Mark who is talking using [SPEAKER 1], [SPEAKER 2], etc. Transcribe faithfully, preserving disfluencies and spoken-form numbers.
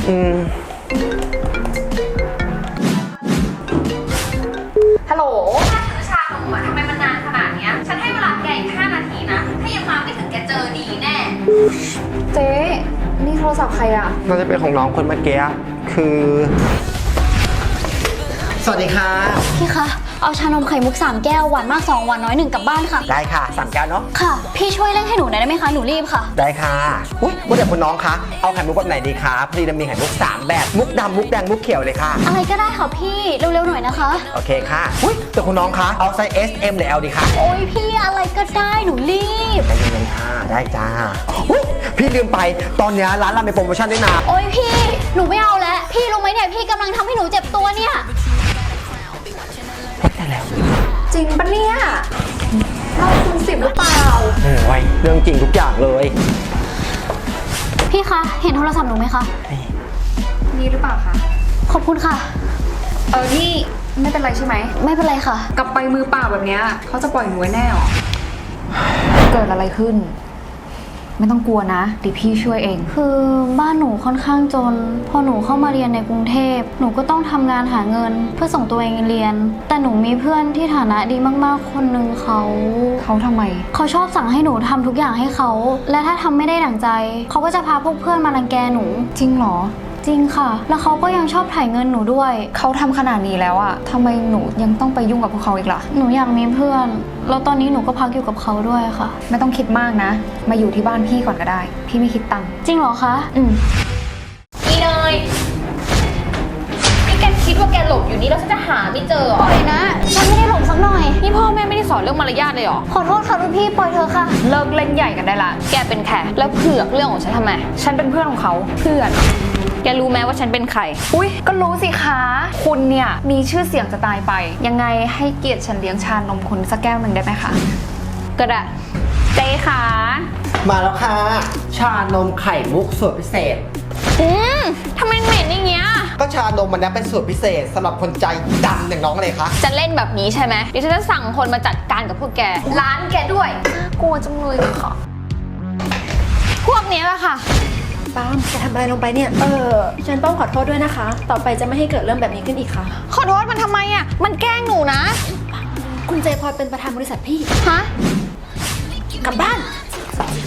[SPEAKER 1] อืม
[SPEAKER 2] ฮัลโหลถ้าซื้อชานมอะทำไมมันนานขนาดเนี้ยฉันให้เวลาแกอีกห้านาทีนะถ้ายังมาไม่ถึงแกเจอดีแน่
[SPEAKER 3] เจ๊นี่โทรศัพท์ใครอะ
[SPEAKER 1] น่าจะเป็นของน้องคนเมื่อกี้คือสวัสดีค่ะ
[SPEAKER 4] พี่คะเอาชานมไข่มุกสามแก้วหวานมากสองหวานน้อยหนึ่งกลับบ้านค่ะ
[SPEAKER 1] ได้ค่ะสามแก้วเนาะ
[SPEAKER 4] ค่ะพี่ช่วยเร่งให้หนูหน่อยได้ไหมคะหนูรีบค่ะ
[SPEAKER 1] ได้ค่ะอุ้ยว่าแต่คุณน้องคะเอาไข่มุกแบบไหนดีคะพอดีเรามีไข่มุกสามแบบมุกดำมุกแดงมุกเขียวเลยค่ะ
[SPEAKER 4] อะไรก็ได้ค่ะพี่เร็วๆหน่อยนะคะ
[SPEAKER 1] โอเคค่ะอุ้ยแต่คุณน้องคะเอาไซส์ เอส เอ็ม หรือ แอล ดีคะ
[SPEAKER 4] โอ้ยพี่อะไรก็ได้หนูรีบ
[SPEAKER 1] ใจเย็นๆค่ะได้จ้าอุ้ยพี่ลืมไปตอนนี้ร้านเรามีโปรโมชั่นด้วยนะ
[SPEAKER 4] โอ้ยพี่หนูไม่เอาแล้วพี่รู้ไหมเนี่ยพี่กำลังทำให้หนูเจ็บตัวเนี่ย
[SPEAKER 1] ได้แล้ว
[SPEAKER 3] จริงปะเนี่ยเราคุณสิบหรือเปล่า
[SPEAKER 1] โอ้ยเรื่องจริงทุกอย่างเลย
[SPEAKER 4] พี่คะเห็นโทรศัพท์หนูไหมคะ
[SPEAKER 3] นี่หรือเปล่าคะ
[SPEAKER 4] ขอบคุณค่ะ
[SPEAKER 3] เออนี่ไม่เป็นไรใช่ไหม
[SPEAKER 4] ไม่เป็นไรค่ะ
[SPEAKER 3] กลับไปมือเปล่าแบบเนี้ยเขาจะปล่อยหนูไว้แน่หรอเกิดอะไรขึ้นไม่ต้องกลัวนะเดี๋ยวพี่ช่วยเอง
[SPEAKER 4] คือบ้านหนูค่อนข้างจนพอหนูเข้ามาเรียนในกรุงเทพหนูก็ต้องทำงานหาเงินเพื่อส่งตัวเองเรียนแต่หนูมีเพื่อนที่ฐานะดีมากๆคนหนึ่งเขา
[SPEAKER 3] เขาทำไม
[SPEAKER 4] เขาชอบสั่งให้หนูทำทุกอย่างให้เขาและถ้าทำไม่ได้ดั่งใจเขาก็จะพาพวกเพื่อนมารังแกหนู
[SPEAKER 3] จริงเหรอ
[SPEAKER 4] จริงค่ะแล้วเขาก็ยังชอบถ่ายเงินหนูด้วย
[SPEAKER 3] เขาทำขนาดนี้แล้วอะทำไมหนูยังต้องไปยุ่งกับพวกเขาอีกล่ะ
[SPEAKER 4] หนูอยากมีเพื่อนแล้วตอนนี้หนูก็พักอยู่กับเขาด้วยค่ะ
[SPEAKER 3] ไม่ต้องคิดมากนะมาอยู่ที่บ้านพี่ก่อนก็ได้พี่ไม่คิดตังค์
[SPEAKER 4] จริงเหรอคะ
[SPEAKER 3] อืม
[SPEAKER 2] อีเนยนี่แกคิดว่าแกหลบอยู่นี่แล้วฉันจะหาไม่เจอ
[SPEAKER 4] ปล่อยนะฉันไม่ได้หลงสักหน่อย
[SPEAKER 2] นี่พ่อแม่ไม่ได้สอนเรื่องมารยาทเลยหรอ
[SPEAKER 4] ขอโทษค่ะรุ่นพี่ปล่อยเธอค่ะ
[SPEAKER 3] เลิกเล่นใหญ่กันได้ละ
[SPEAKER 2] แกเป็นแขกแล้วเผือกเรื่องของฉันทำไม
[SPEAKER 3] ฉันเป็นเพื่อนของเขาเพื่อน
[SPEAKER 2] แกรู้ไหมว่าฉันเป็นใคร
[SPEAKER 3] อุ้ยก็รู้สิคะคุณเนี่ยมีชื่อเสียงจะตายไปยังไงให้เกียรติฉันเลี้ยงชานมคุณสักแก้วหนึ่งได้ไหมคะ
[SPEAKER 2] ก็ได้เจ๊ค่ะ
[SPEAKER 1] มาแล้วค่ะชานมไข่มุกสูตรพิเศษ
[SPEAKER 2] อืมทำไมเหม็นอย่างเงี้ย
[SPEAKER 1] ก็ชานมมันนี้เป็นสูตรพิเศษสำหรับคนใจดำอย่างน้องเลยคะ
[SPEAKER 2] จะเล่นแบบนี้ใช่ไหมเดี๋ยวฉันจะสั่งคนมาจัดการกับพวกแกร้านแกด้วย
[SPEAKER 3] กลัวจังเลยค่ะ
[SPEAKER 2] พวกนี้แหละค่ะ
[SPEAKER 5] ปาล์มจะทำอะไรลงไปเนี่ยเออฉันต้องขอโทษด้วยนะคะต่อไปจะไม่ให้เกิดเรื่องแบบนี้ขึ้นอีกค่ะ
[SPEAKER 2] ขอโทษมันทำไมอ่ะมันแกล้งหนูนะ
[SPEAKER 5] คุณเจพลอยเป็นประธานบริษัทพี่
[SPEAKER 2] ฮะ
[SPEAKER 5] กลับบ้าน